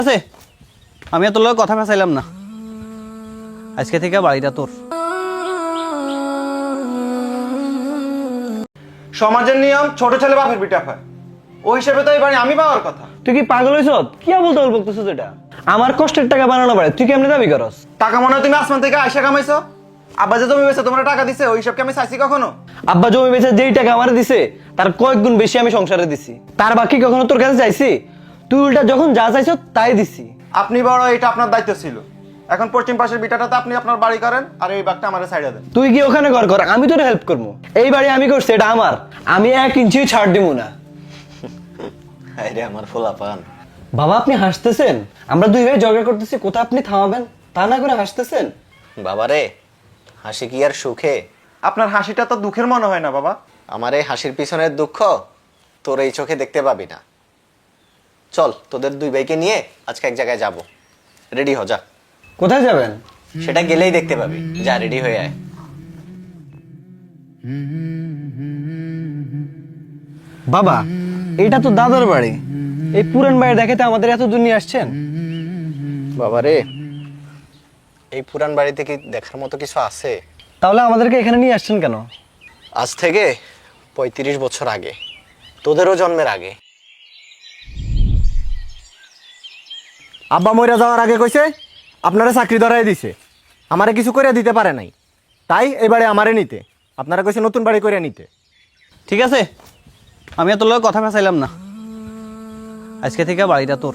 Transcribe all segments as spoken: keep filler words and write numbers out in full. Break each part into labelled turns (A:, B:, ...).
A: আছে আমি তোর লগে কথা ফেসাইলাম না, আজকে থেকে বাড়িটা তোর।
B: সমাজের নিয়ম ছোট ছেলে বাপের পিঠা হয়, ওই হিসেবে তো এই বাড়ি আমি পাওয়ার কথা।
A: তুই কি পাগল হইছ? কি বলতে বল বলতেছিস? এটা আমার কষ্টের টাকা বানানো বাড়ি, তুই কেমনে দাবি করস?
B: টাকা মনে হয় তুমি আসমান থেকে আয়সা কামাইছো? আব্বা যে জমি বেচে তোমরা টাকা দিছে, ওই হিসাবকে আমি চাইছি কখনো?
A: আব্বা জমি বেচে যেই টাকা আমার দিছে তার কয়েক গুণ বেশি আমি সংসারে দিছি, তার বাকি কখনো তোর কাছে চাইছি? তুই উল্টা যখন যা চাইছো তাই দিছি।
B: আপনি বড়, এটা আপনার দায়িত্ব ছিল। এখন পশ্চিম পাশের বিটাটাতে আপনি আপনার বাড়ি করেন, আর এই বাঘটা আমার সাইডে দেন।
A: তুই কি ওখানে ঘর কর, আমি তোর হেল্প করবো। এই বাড়ি আমি করছি, এটা আমার, আমি এক ইঞ্চি ছাড় দিব না।
C: আরে আমার ফোলাপান,
A: বাবা আপনি হাসতেছেন? আমরা দুই ভাই ঝগড়া করতেছি, কোথায় আপনি থামাবেন তা না করে হাসতেছেন।
C: বাবারে হাসি কি আর সুখে?
B: আপনার হাসিটা তো দুঃখের মনে হয় না বাবা।
C: আমার এই হাসির পিছনের দুঃখ তোর এই চোখে দেখতে পাবি না। চল তোদের দুই ভাইকে নিয়ে আজকে এক জায়গায় যাব, রেডি হ যা।
A: কোথায় যাবেন?
C: সেটা গেলেই দেখতে পাবি, যা রেডি হয়ে আয়।
A: বাবা এটা তো দাদার বাড়ি, এই পুরান বাড়ি দেখাতে আমাদের এত দূর নিয়ে আসছেন?
C: বাবারে এই পুরান বাড়িতে কি দেখার মতো কিছু আছে?
A: তাহলে আমাদেরকে এখানে নিয়ে আসছেন কেন?
C: আজ থেকে পঁয়ত্রিশ বছর আগে, তোদেরও জন্মের আগে।
D: আব্বা মইরা যাওয়ার আগে কইছে আপনারা চাকরি ধরাই দিছে, আমারে কিছু করে দিতে পারে নাই, তাই এবারে আমারে নিতে। আপনারা কইছে নতুন বাড়ি করে নিতে।
A: ঠিক আছে, আমি তোর লগে কথা ফেসাইলাম না, আজকে থেকে বাড়িটা তোর।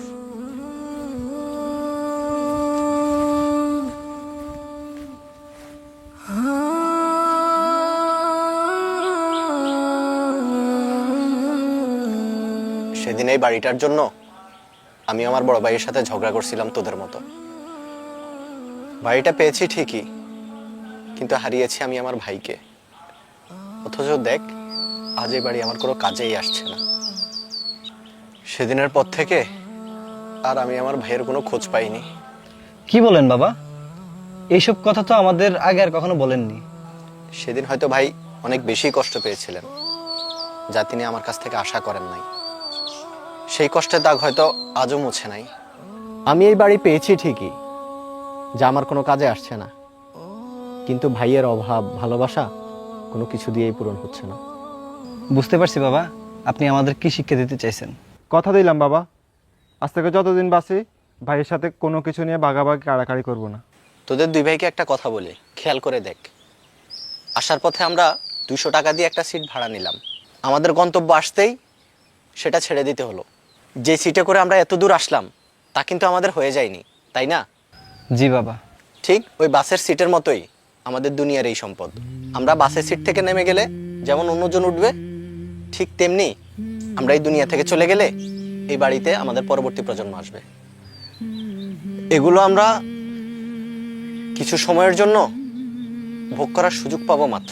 C: সেদিন এই বাড়িটার জন্য আমি আমার বড় ভাইয়ের সাথে ঝগড়া করছিলাম তোদের মতো। বাড়িটা পেয়েছি ঠিকই, কিন্তু হারিয়েছি আমি আমার ভাইকে। অথচ দেখ আজ এই বাড়ি আমার কোনো কাজেই আসছে না। সেদিনের পর থেকে আর আমি আমার ভাইয়ের কোনো খোঁজ পাইনি।
A: কি বলেন বাবা? এইসব কথা তো আমাদের আগে আর কখনো বলেননি।
C: সেদিন হয়তো ভাই অনেক বেশি কষ্ট পেয়েছিলেন, যা তিনি আমার কাছ থেকে আশা করেন নাই। সেই কষ্টের দাগ হয়তো আজও মুছে নাই।
D: আমি এই বাড়ি পেয়েছি ঠিকই, যা আমার কোনো কাজে আসছে না, কিন্তু ভাইয়ের অভাব ভালোবাসা কোনো কিছু দিয়েই পূরণ হচ্ছে না।
A: বুঝতে পারছি বাবা, আপনি আমাদের কি শিক্ষা দিতে চাইছেন।
E: কথা দিলাম বাবা, আজ থেকে যতদিন বাঁচি ভাইয়ের সাথে কোনো কিছু নিয়ে বাগাবাগি কাড়াকাড়ি করবো না।
C: তোদের দুই ভাইকে একটা কথা বলি, খেয়াল করে দেখ। আসার পথে আমরা দুইশো টাকা দিয়ে একটা সিট ভাড়া নিলাম, আমাদের গন্তব্য আসতেই সেটা ছেড়ে দিতে হলো। যে সিটে করে আমরা এত দূর আসলাম তা কিন্তু আমাদের হয়ে যায়নি, তাই না?
A: জি বাবা।
C: ঠিক ওই বাসের সিটের মতোই আমাদের দুনিয়ার এই সম্পদ। আমরা বাসের সিট থেকে নেমে গেলে যেমন অন্যজন উঠবে, ঠিক তেমনি আমরা এই দুনিয়া থেকে চলে গেলে এই বাড়িতে আমাদের পরবর্তী প্রজন্ম আসবে। এগুলো আমরা কিছু সময়ের জন্য ভোগ করার সুযোগ পাবো মাত্র।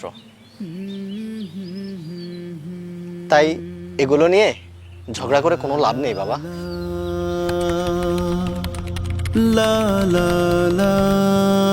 C: তাই এগুলো নিয়ে ঝগড়া করে কোনো লাভ নেই বাবা।
F: la la la